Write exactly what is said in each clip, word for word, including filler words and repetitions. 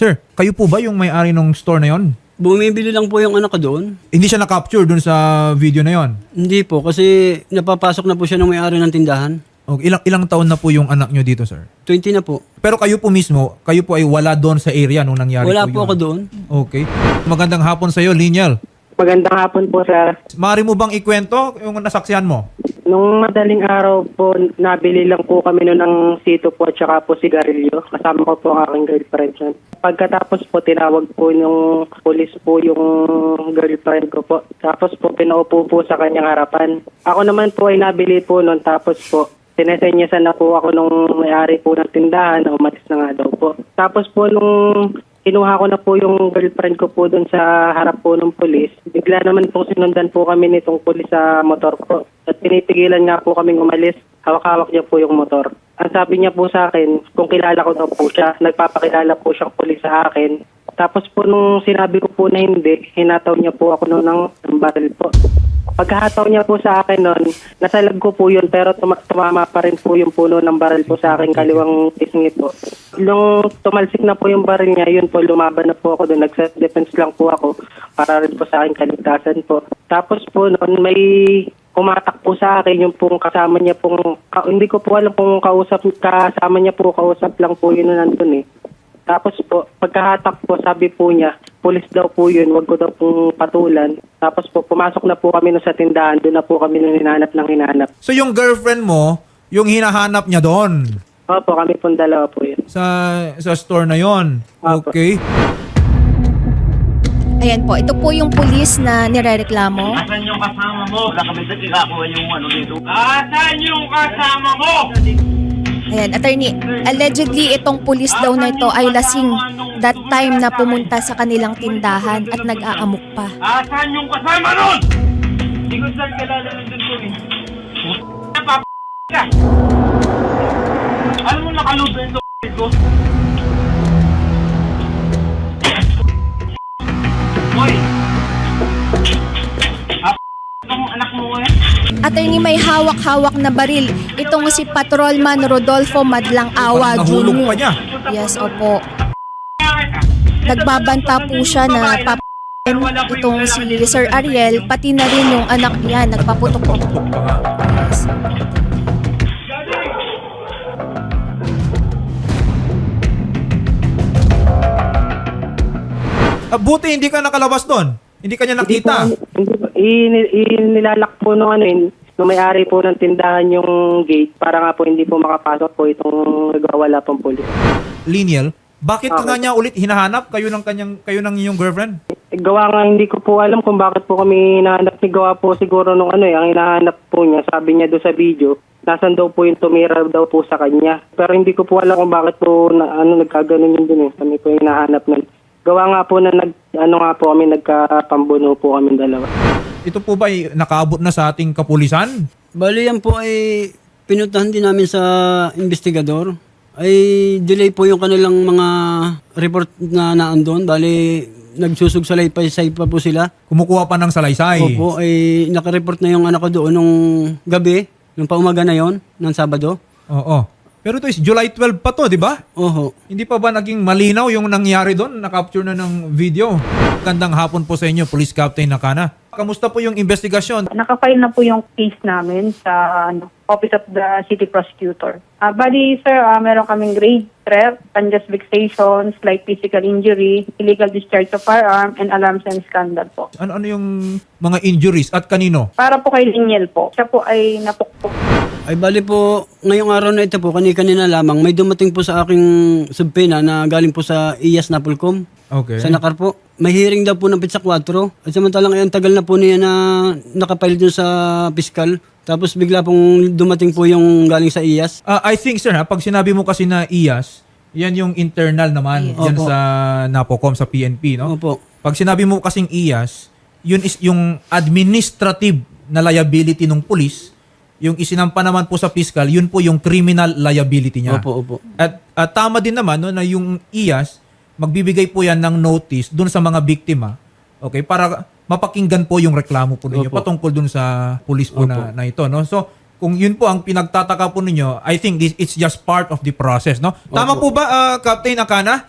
Sir, kayo po ba yung may-ari ng store na yon? Bumibili lang po yung anak ko doon. Hindi siya na-capture dun sa video na yon? Hindi po, kasi napapasok na po siya ng may-ari ng tindahan. Okay. Ilang, ilang taon na po yung anak nyo dito, sir? twenty na po. Pero kayo po mismo, kayo po ay wala doon sa area nung nangyari Wala po po ako yun? doon. Okay. Magandang hapon sa iyo, Liniel. Magandang hapon po, sir. Maaari mo bang ikwento yung nasaksihan mo? Nung madaling araw po, nabili lang po kami noon ng sito po at saka po sigarilyo. Kasama ko po ang aking girlfriend yun. Pagkatapos po, tinawag po yung police po yung girlfriend ko po. Tapos po, pinaupo po sa kanyang harapan. Ako naman po ay nabili po noon. Tapos po, sinesenyasan na po ako nung may-ari po ng tindahan na umalis na nga daw po. Tapos po nung kinuha ko na po yung girlfriend ko po doon sa harap po ng polis, bigla naman po sinundan po kami nitong polis sa motor ko. At pinipigilan nga po kaming umalis. Hawak-hawak niya po yung motor. Ang sabi niya po sa akin, kung kilala ko daw po siya, nagpapakilala po siyang polis sa akin. Tapos po nung sinabi ko po na hindi, hinataw niya po ako noon ng, ng baril po. Pagkahataw niya po sa akin noon, nasalag ko po yun pero tuma- tumama pa rin po yung puno ng baril po sa akin kaliwang pisngi po. Nung tumalsik na po yung baril niya, yun po lumaban na po ako doon. Nag-self-defense lang po ako para rin po sa akin kaligtasan po. Tapos po noon may kumatak po sa akin yung pong kasama niya pong, ka, hindi ko po alam kung kausap, kasama niya po, kausap lang po yun na nandun eh. Tapos po, pagkahatak po, sabi po niya, pulis daw po yun, wag ko daw pong patulan. Tapos po, pumasok na po kami no sa tindahan, doon na po kami nung hinanap ng hinanap. So yung girlfriend mo, yung hinahanap niya doon Opo, kami pong dalawa po yun. sa sa store na yon. Opo. Okay. Ayan po, ito po yung pulis na nirereklamo. Asan yung kasama mo? Wala kami sa ikakuha yung ano dito. Asan yung kasama mo? Ayan, attorney, allegedly itong pulis daw na ito ay lasing that time na pumunta sa kanilang tindahan at nag-aamok pa. Asan yung kasama nun? Hindi ko saan kilala nandun ko eh. Napap*** ka. Alam mo nakalubin ito ko? Hoy! Ah, itong anak mo eh? Attorney, may hawak-hawak na baril. Itong si Patrolman Rodolfo Madlang Awa Nahulog pa Junior niya. Yes, opo. Nagbabanta po siya na pap itong si Sir Ariel, pati na rin yung anak niya, nagpaputok po. Yes. Ah, buti hindi ka nakalabas doon. Hindi ka niya nakita. Hindi po, hindi po. In- inilalak po nung ano yun, nung may-ari po ng tindahan yung gate para nga po hindi po makapasok po itong nagwawala pong pulis. Liniel, bakit ka Okay. nga niya ulit hinahanap kayo ng kanyang kayo ng iyong girlfriend? Gawa nga hindi ko po alam kung bakit po kami hinahanap ni Gawa po siguro nung ano eh, ang hinahanap po niya, sabi niya doon sa video, nasan daw po yung tumira daw po sa kanya. Pero hindi ko po alam kung bakit po na, ano, nagkaganon yun dun eh, kami po yung hinahanap nun. Gawa nga po na nag, ano nga po kami, nagkapambuno po kami dalawa. Ito po ba ay nakaabot na sa ating kapulisan? Bali yan po ay pinuntahan din namin sa investigador. Ay delay po yung kanilang mga report na naandun. Bali nagsusugsalay pa pa po sila. Kumukuha pa ng salaysay. Opo, ay nakareport na yung anak ko doon nung gabi, nung paumaga na yon, ng Sabado. Oo. Pero ito is July twelve pa to, di ba? Oho. Hindi pa ba naging malinaw yung nangyari doon? Na-capture na ng video. Gandang hapon po sa inyo, Police Captain Nakana. Kamusta po yung investigasyon? Nakafile na po yung case namin sa ano, Office of the City Prosecutor. Ah, bali, sir, ah, meron kaming grave theft, unjust vexation, slight physical injury, illegal discharge of firearm, and alarms and scandal po. Ano-ano yung mga injuries at kanino? Para po kay Liniel po. Siya po ay napukpok. Ay bali po, ngayong araw na ito po, kani-kanina lamang, may dumating po sa aking subpena na galing po sa I A S Napolcom. Okay. Sa Nakar po. May hearing daw po ng Pizza four. At samantalang ay ang tagal na po niya na nakapile dun sa piskal. Tapos bigla pong dumating po yung galing sa I A S. Ah, I think, sir, ha, pag sinabi mo kasi na I A S, yan yung internal naman. Yes. Yan Opo. sa Napocom, sa P N P, no? Opo. Pag sinabi mo kasing I A S, yun is yung administrative na liability ng police. Yung isinampa naman po sa fiscal, yun po yung criminal liability niya. Opo, opo. At, at tama din naman no, na yung I A S, magbibigay po yan ng notice dun sa mga biktima, okay, para mapakinggan po yung reklamo po ninyo Opo. patungkol dun sa police po na, Opo. na ito. No? So, kung yun po ang pinagtataka po ninyo, I think this it's just part of the process. No? Tama po Opo. ba, ah, Captain Akana?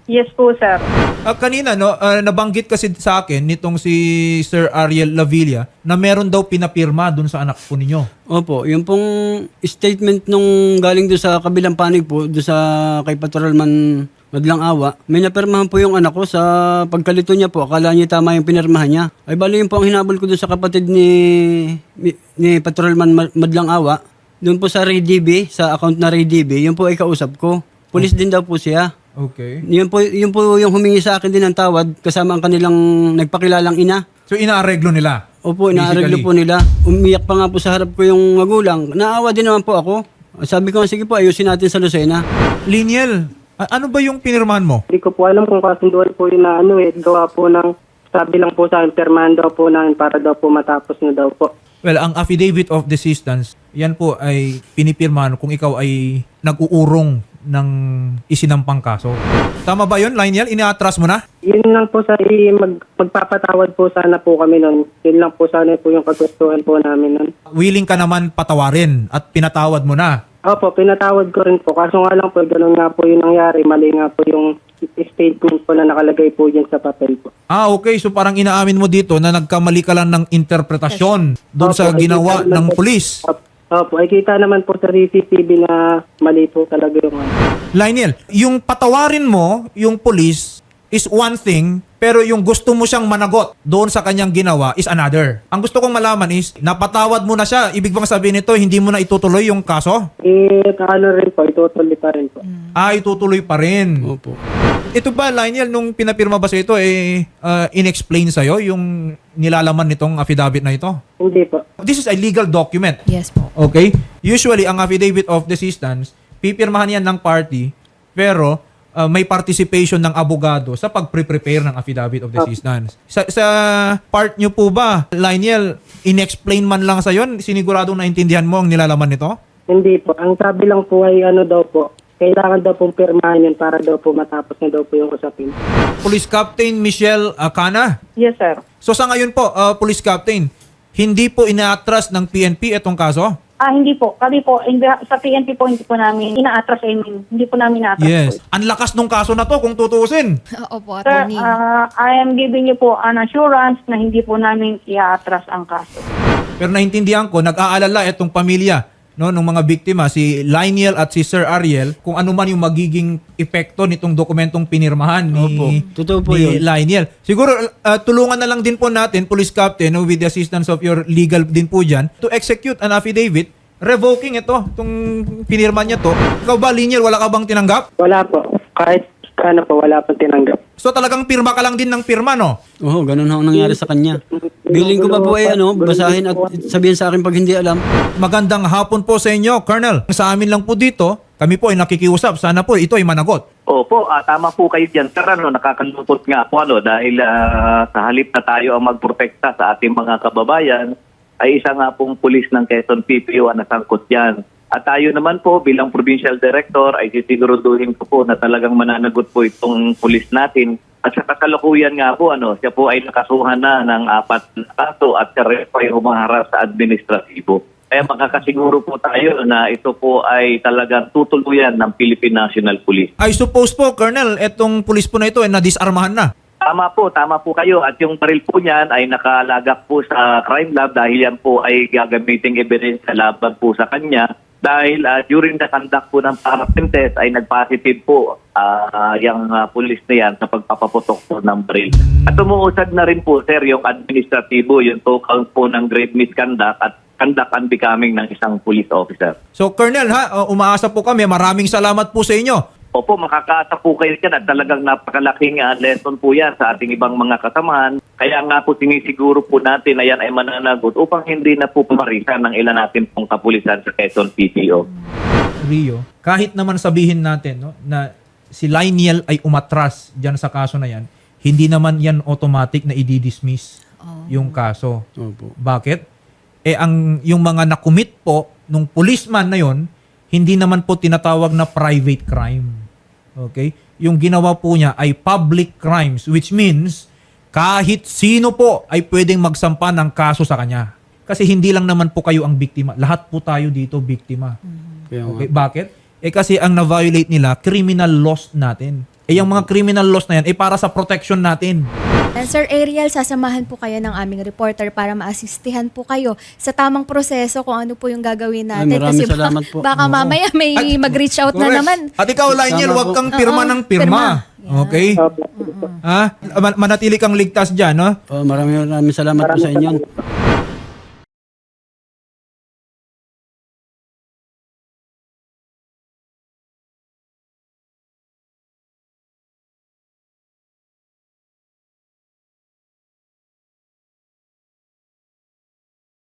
Yes po, sir. Ah, kanina, no, ah, nabanggit kasi sa akin nitong si Sir Ariel Lavilla na meron daw pinapirma dun sa anak po ninyo. Opo, yung pong statement nung galing doon sa kabilang panig po, doon sa kay Patrolman Madlang Awa, may napirmahan po yung anak ko sa pagkalito niya po. Akala niya tama yung pinirmahan niya. Ay bali yun po ang hinabol ko doon sa kapatid ni, ni, ni Patrolman Ma- Madlang Awa. Doon po sa Ray D B, sa account na Ray D B, yun po ay kausap ko. Pulis din daw po siya. Okay. Yun po, yun po yung humingi sa akin din ng tawad kasama ang kanilang nagpakilalang ina. So inaareglo nila? Opo, inaareglo Basically. po nila. Umiyak pa nga po sa harap ko yung magulang. Naawa din naman po ako. Sabi ko, sige po, ayusin natin sa Lucena. Liniel, a- ano ba yung pinirmahan mo? Hindi ko po alam kung kasunduan po yun na ano eh, gawa po ng, sabi lang po sa akin, permahan daw po namin para daw po matapos na daw po. Well, ang affidavit of desistance, yan po ay pinipirmahan kung ikaw ay nag-uurong ng isinampang kaso. Tama ba yun, Lionel? Ina-atras mo na? Yun lang po sa i- mag, magpapatawad po sana po kami nun. Yun lang po sana po yung kagustuhan po namin nun. Willing ka naman patawarin at pinatawad mo na. Opo, pinatawad ko rin po. Kaso nga lang po, ganun nga po yung nangyari. Mali nga po yung statement po na nakalagay po dyan sa papel po. Ah, okay. So parang inaamin mo dito na nagkamali ka lang ng interpretasyon doon sa Opo, ay ginawa kita naman ng po- pulis. Opo, opo, ay kita naman po sa C C T V na mali po talaga yung ano. Lionel, yung patawarin mo, yung pulis, is one thing, pero yung gusto mo siyang managot doon sa kanyang ginawa is another. Ang gusto kong malaman is, napatawad mo na siya. Ibig bang sabihin nito, hindi mo na itutuloy yung kaso? Eh, ano rin po, itutuloy pa rin po. Ah, itutuloy pa rin. Opo. Ito ba, Lionel, nung pinapirma ba sa ito, eh, uh, in-explain sa'yo yung nilalaman nitong affidavit na ito? Hindi po. This is a legal document. Yes po. Okay? Usually, ang affidavit of desistance, pipirmahan yan ng party, pero uh, may participation ng abogado sa pag-prepare ng affidavit of desistance. Sa, sa part nyo po ba, Lionel, in-explain man lang sa'yo, siniguradong naintindihan mo ang nilalaman nito? Hindi po. Ang sabi lang po ay ano daw po, kailangan daw pong pirmahan yun para daw po matapos na daw po yung usapin. Police Captain Michelle Acana. Yes, sir. So sa ngayon po, uh, Police Captain, hindi po ina-atras ng P N P itong kaso? Ah, hindi po. Kami po, in the- sa P N P po, hindi po namin ina-atras. I mean, hindi po namin ina-atras Yes. po. Ang lakas nung kaso na to kung tutuusin. Opo, Sir, attorney. ah, I am giving you po an assurance na hindi po namin i-atras ang kaso. Pero naintindihan ko, nag-aalala itong pamilya no, ng mga biktima, si Lionel at si Sir Ariel, kung ano man yung magiging epekto nitong dokumentong pinirmahan ni, Opo. Totoo po ni yun. Lionel. Siguro, uh, tulungan na lang din po natin, Police Captain, no, with the assistance of your legal din po dyan, to execute an affidavit revoking ito, itong pinirma niya to. Ikaw ba, Lionel, wala ka bang tinanggap? Wala po. Kahit ano po, wala pong tinanggap. So talagang pirma ka lang din ng pirma, no? Oo, ganun ho ang nangyari sa kanya. Biling ko pa po ay ano, basahin at sabihin sa akin pag hindi alam. Magandang hapon po sa inyo, Colonel. Sa amin lang po dito, kami po ay nakikiusap. Sana po ito ay managot. Opo, ah, tama po kayo dyan, sir. Ano, nakakalungkot nga po ano, dahil ah, sa halip na tayo ang magprotekta sa ating mga kababayan, ay isa nga pong pulis ng Quezon P P O ang nasangkot dyan. At tayo naman po bilang Provincial Director ay sisiguraduhin ko po na talagang mananagot po itong pulis natin. At sa kasalukuyan nga po, ano, siya po ay nakasuhan na ng apat na kaso at siya rin po ay humaharap sa administratibo. Kaya makakasiguro po tayo na ito po ay talagang tutuluyan ng Philippine National Police. I suppose po, Colonel, etong pulis po na ito ay nadisarmahan na. Tama po, tama po kayo. At yung baril po niyan ay nakalagak po sa crime lab dahil yan po ay gagamiting evidence sa laban po sa kanya. Dahil uh, during the conduct po ng paraffin test ay nag-positive po uh, yung uh, pulis na yan sa pagpapaputok po ng baril. At umuusad na rin po, sir, yung administratibo, yung total po ng grave misconduct at conduct unbecoming ng isang police officer. So, Colonel, ha, uh, umaasa po kami. Maraming salamat po sa inyo. Opo, makakaasa po kayo dyan at talagang napakalaking uh, lesson po yan sa ating ibang mga kasamahan. Kaya nga po sinisiguro po natin na yan ay mananagot upang hindi na po pumarisan ng ilan natin pong kapulisan sa Quezon P P O. Rio, kahit naman sabihin natin no, na si Lionel ay umatras dyan sa kaso na yan, hindi naman yan automatic na i-dismiss yung kaso. Opo. Bakit? Eh, ang, yung mga nakumit po nung policeman na yon, hindi naman po tinatawag na private crime. Okay? Yung ginawa po niya ay public crimes, which means kahit sino po ay pwedeng magsampa ng kaso sa kanya. Kasi hindi lang naman po kayo ang biktima. Lahat po tayo dito biktima. Kaya nga. Okay? Bakit? Eh kasi ang na-violate nila, criminal laws natin. Eh yung mga criminal laws na yan, eh para sa protection natin. And Sir Ariel, sasamahan po kayo ng aming reporter para maasistihan po kayo sa tamang proseso kung ano po yung gagawin natin. Ay, maraming Kasi salamat baka, po. baka Oo. mamaya may Ay, mag-reach out na correct. naman. At ikaw, Lionel, Tama huwag po. kang pirma Oo, ng pirma. pirma. Yan. Okay? Opo. Ha? Man- manatili kang ligtas dyan, no? Oh, maraming maraming salamat po sa inyo.